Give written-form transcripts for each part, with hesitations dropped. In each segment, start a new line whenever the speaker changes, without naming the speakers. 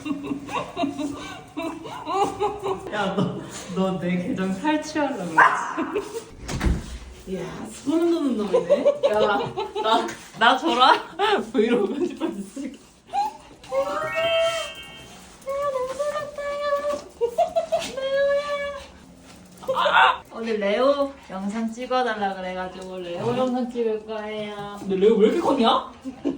야, 너 내 계정 탈취하려고 그랬지? 이야, 소름 돋는 놈이네. 야, 나 줘라. 브이로그 편집할 수 있을게. 오늘 레오 영상 찍어달라 그래가지고 레오 영상 찍을 거예요. 근데 레오 왜 이렇게 컸냐?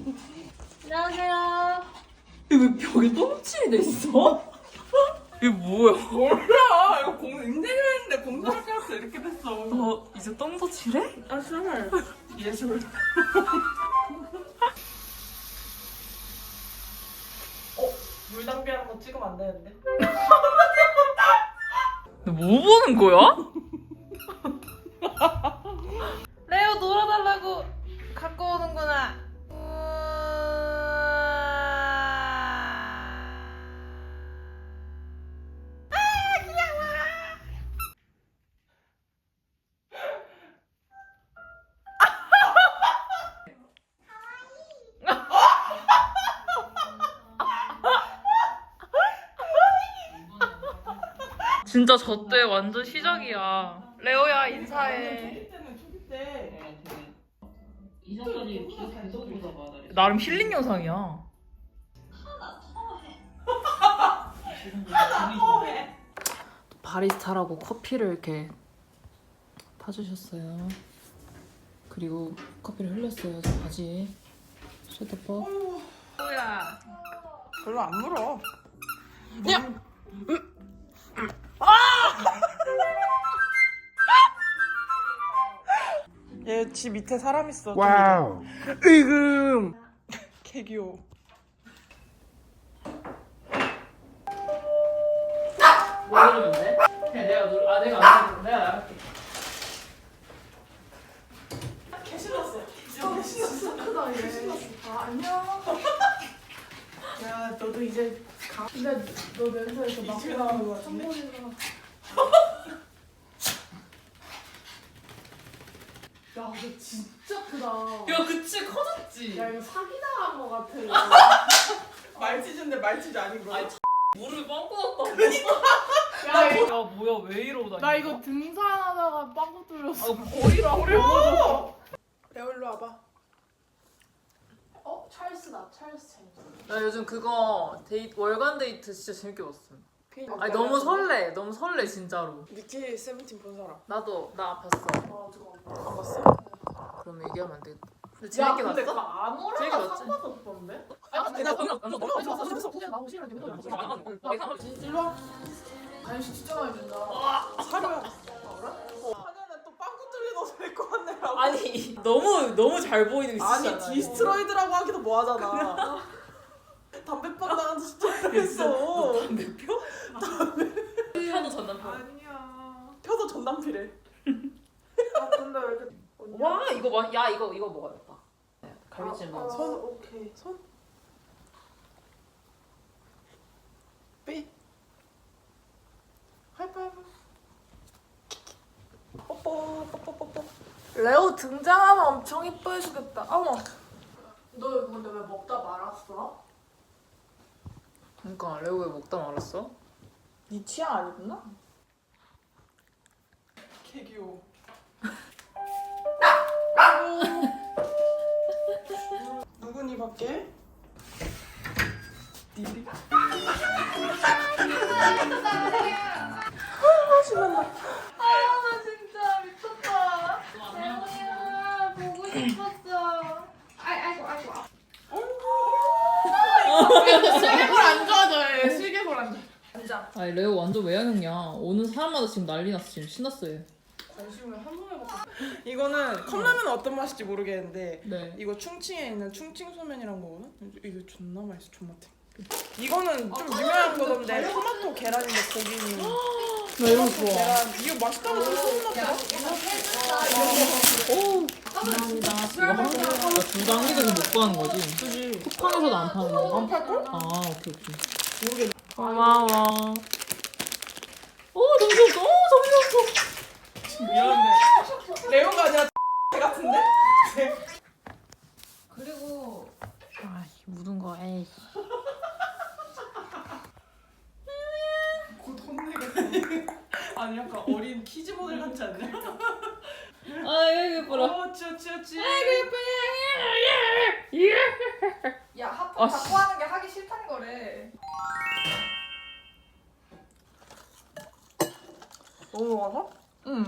안녕하세요. 왜 벽에 똥칠이 돼 있어? 이게 뭐야?
몰라. 이거 인생을 했는데 공사를 깨서 이렇게 됐어.
너 이제 똥도 칠해?
아, 정말. 예술. 물 낭비하는 거 찍으면 안 되는데.
너 뭐 보는 거야?
레오 놀아달라고 갖고 오는구나.
진짜 저 때 완전 시작이야.
레오야 인사해.
초기 때
이전까지 계속 보다가 나름 힐링 영상이야. 바리스타라고 커피를 이렇게 타주셨어요. 그리고 커피를 흘렸어요. 저 바지에. 셔터퍼.
레오야. 별로 안 물어. 얘 집 밑에 사람 있어. 와우. 으금. 개 귀여워.
뭐 누르는데? 내가 안 누르. 내가 나갈게.
개 신났어. 개 신났어. 크다 얘. 아 안녕. 야 너도 이제 가. 근데 너 냄새에서 막 나오는 거 같은데? 야, 너 진짜 크다.
야, 그치 커졌지.
야, 이거 사기당한 거 같아. 말치즈인데 말치즈 아닌 거야?
아니, 물을 빵꾸 났다. 그니까. 야, 뭐야, 왜 이러고 다니냐?
나 이거 등산하다가 빵꾸 뚫렸어.
거리라
어려워. 레오 일로 와봐. 찰스다. 찰스 재밌어.
나 요즘 그거 월간 데이트 진짜 재밌게 봤어. 아니 너무 설레 진짜로.
니키 세븐틴 본 사람?
나도 나 봤어.
안 봤어?
그럼 얘기하면 안 되겠다. 근데 재밌게
근데
봤어?
그거 안
재밌게
오라가
봤지?
상관없던데? 일로 와. 간식 진짜 많이 준다. 사료야. 하냐는 또 빵꾸 뚫린 옷을 입고 왔네라고.
아니 너무 잘 보이는 거
아니
있잖아.
디스트로이드라고 하기도 뭐하잖아. 담배빵 나간 지 진짜 오래됐어.
담배표? 편도 전남편.
아니야.
펴서 전남피래.
아 근데 왜 이렇게
와 이거 이거 먹어야겠다. 갈비찜 먹어.
손.
오케이.
손. 삐. 하이파이브. 뽀뽀 뽀뽀뽀뽀.
레오 등장하면 엄청 이뻐해주겠다. 어머. 너 근데 왜 먹다 말았어?
그러니까 레오 왜 먹다 말았어?
네 취향 아니구나?
개 귀여워. 누구니 밖에? 니리. 신난다.
나 진짜 미쳤다. 레오야 보고 싶었어. 아이고. 슬개골 안 좋아져. 슬개골 안 좋아. 앉아.
아니 레오 완전 외향형이야. 오는 사람마다 지금 난리 났어. 지금 신났어 얘.
관심을 한 번에 먹고.
이거는 컵라면 어떤 맛일지 모르겠는데
네.
이거 충칭에 있는 충칭 소면이란 거거든? 이거 존나 맛있어. 존맛해. 이거는 좀 유명한 거던데 토마토 계란인데 고기는
나 이런 거 좋아.
계란 이거 맛있다고 소문났다.
오 감사합니다. 이거 나둘다 한 개도 못 구하는 거지?
그지?
쿠팡에서도 안 파는 거?
안 팔걸?
아 오케이.
모르겠네.
고마워. 오 너무 좋았어. 너무 좋았어.
미안한데 레오가 아니라 같은데?
그리고 아 묻은 거 에이.
아니 약간 어린 키즈 모델 같지 않냐?
아이고 예뻐라.
찌찌찌.
야 하품
아,
자꾸 하는 게 하기 싫다는 거래.
너무 먹어서?
응.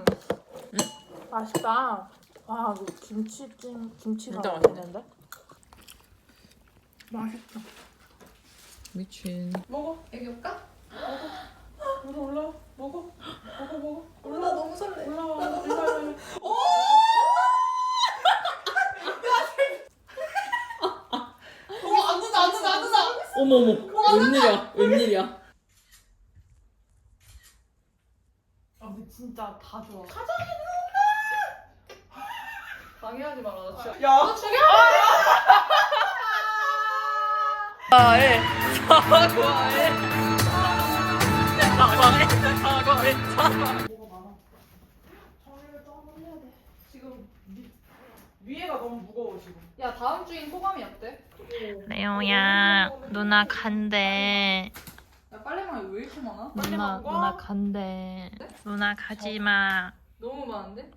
맛있다. 와, 이거 김치가
진짜 맛있네.
맛있는데? 맛있다.
미친.
먹어.
애기 올까?
올라. 먹어. 먹어.
올라 너무 설레.
올라와. 안 된다.
어머머. 웬일이야.
아, 근데 진짜 다 좋아. 방해하지 마라. 나 진짜.
야.
사과해.
뭐가 많아. 정리를 또 한번 해야 돼. 지금 위에가 너무 무거워 지금.
야, 다음 주인 소감이 어때?
레오야, 누나 간대.
야, 빨래망이 왜 이렇게 많아?
누나 간대. 누나 가지 마.
너무 많은데?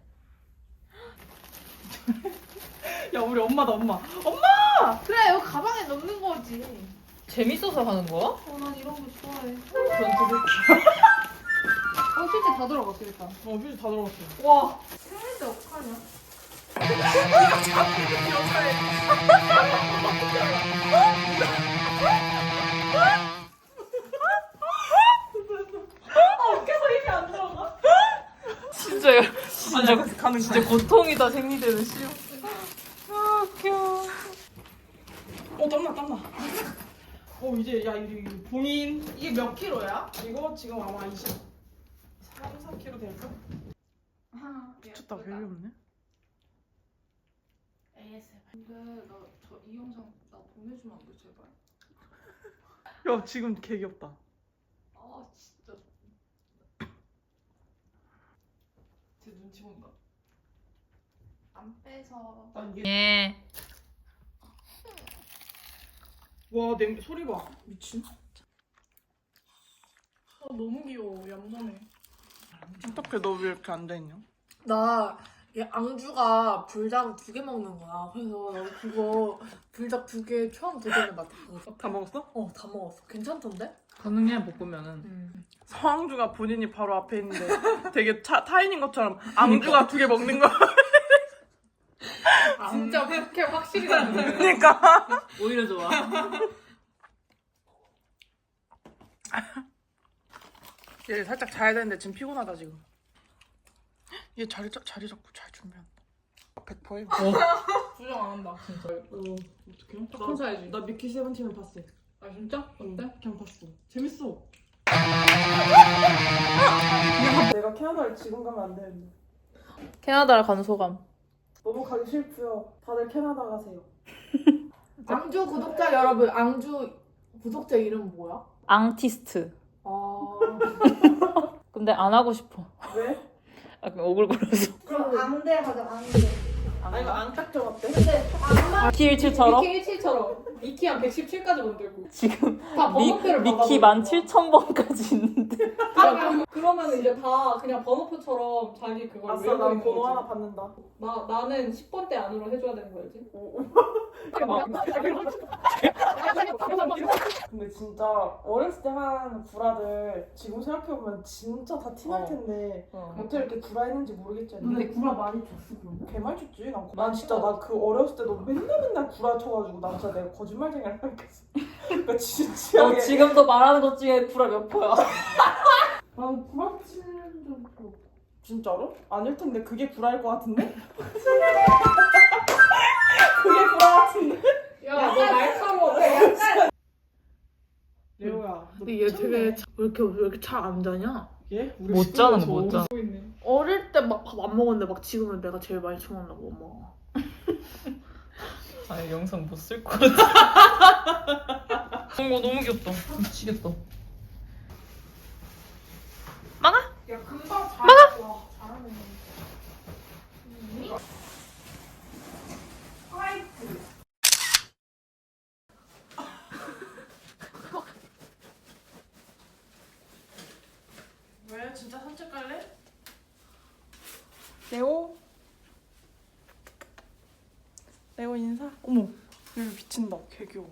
야 우리 엄마다 엄마.
그래, 여기 가방에 넣는 거지.
재밌어서 하는 거야?
난 이런 거 좋아해.
전투
실제 다 들어갔어, 일단.
휴지 다 들어갔어.
와. 생일인데 어떡하냐?
진짜 고통이다 생리대는 씨.
땀나. 이제 야 이게 봉인 이게 몇 킬로야? 이거 지금 아마 4kg 될까? 미쳤다 별로 없네.
ASMR. 근데 나 이 영상 나 보내주면 안 돼, 제발?
야 지금 개 귀엽다.
아, 진짜. 제 눈치 본다. 안 빼서.
예.
와 소리 봐. 미친. 너무 귀여워. 얌전해. 어떡해 너 왜 이렇게 앉아있냐?
나 이 앙주가 불닭 2개 먹는 거야. 그래서 나 그거 불닭 2개 처음 도전해 봤거든.
다 먹었어?
다 먹었어. 괜찮던데?
가능해 볶으면은.
서항주가 본인이 바로 앞에 있는데 되게 타인인 것처럼 앙주가 2개 먹는 거.
진짜 그렇게 확실히 나는
그러니까.
오히려 좋아.
얘 살짝 자야 되는데 지금 피곤하다 지금. 얘 자리 잡고 잘 준비한다. 100%임.
부정 안 한다. 진짜.
어떡해?
팝콘 사야지.
나 미키 세븐틴을 봤어.
아, 진짜? 어때?
그냥 봤어. 재밌어. 내가 캐나다를 지금 가면 안 되는데.
캐나다를 간 소감.
너무 가기 싫고요. 다들 캐나다 가세요.
앙주 구독자 여러분, 앙주 구독자 이름 뭐야?
앙티스트.
아,
근데 안 하고 싶어.
왜?
약간 오글거려서.
그럼 앙대 하자, 앙대.
아 이거 앙딱정 어때?
TH7처럼
미키 17처럼. 미키 한 117까지 만들고.
지금
다 번호표를
미키 17,000번까지 있는데.
그러면 이제 다 그냥 번호표처럼 자기 그걸
아싸
외우고
난
있는
번호
거지.
하나 받는다.
나는 10번대 안으로 해줘야 되는 거지.
근데 진짜 어렸을 때 한 구라들 지금 생각해보면 진짜 다 티날 텐데 어떻게 이렇게 구라했는지 모르겠지.
근데 구라 많이 줬어, 그럼.
개말 쳤지. 난 진짜 나 그 어렸을 때도 맨날 구라 쳐가지고 난 진짜 내가 거짓말쟁이를 생각했어. 그러니까
너
진지하게.
지금도 말하는 것 중에 구라 몇 퍼야?
난 구라 치는 적 없어.
진짜로? 아닐 텐데 그게 구라일 것 같은데? 그게 구라 같은데?
야, 너 날카로워.
레오야.
근데 얘 되게 왜 이렇게 잘 안 자냐?
얘? 우리
못 자는
식구는
못 자.
어릴 때 막 밥 안 먹었는데 막 지금은 내가 제일 많이 쳐먹는다고 엄마가.
아 영상 못 쓸 것 같아. 너무 귀엽다. 미치겠다.
야 금방 잘. 와 잘하네. 화이트. 왜 진짜 산책 갈래?
레오 인사? 어머 여기 미친다 개 귀여워.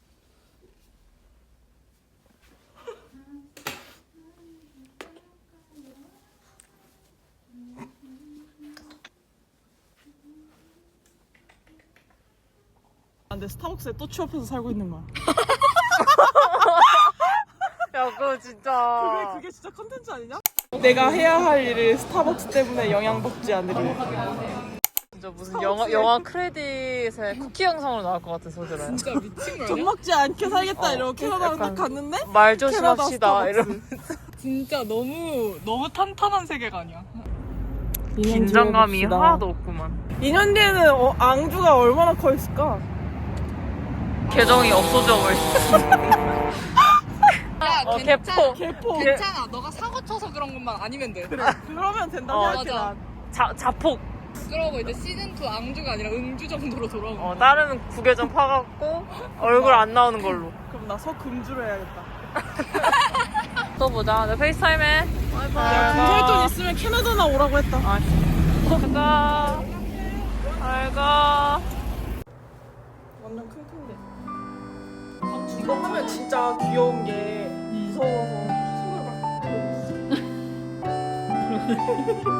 근데 스타벅스에 또 취업해서 살고 있는 거야.
야 그거 진짜.
그게 진짜 컨텐츠 아니냐? 내가 해야 할 일을 스타벅스 때문에 영향받지 않으려.
진짜 무슨 영화 크레딧에 쿠키 영상으로 나올 것 같은 소리라.
진짜 미친 거
돈
아니야?
먹지 않게 살겠다 이러고 캐나다로
약간
딱 갔는데
말
캐나다
조심합시다
스타벅스.
이러면.
진짜 너무 탄탄한 세계관이야.
긴장감이 하나도 없구만.
2년 뒤에는 앙주가 얼마나 커 있을까?
계정이 없어져 버렸어.
야,
개포.
개포.
괜찮아. 너가 사고 쳐서 그런 것만 아니면 돼.
그래 그러면 된다고
어,
생각해.
맞아.
자폭.
그러고 이제 시즌2 앙주가 아니라 응주 정도로 돌아오는 거야.
다른 구계정 파갖고 얼굴 안 나오는 걸로.
그럼 나 서금주로 해야겠다.
또 보자. 내 페이스타임해.
야 금절돈 있으면 캐나다나 오라고 했다.
가. 알가.
완전 킁킁대. 이거 하면 진짜 귀여운 게 무서워서 손을 막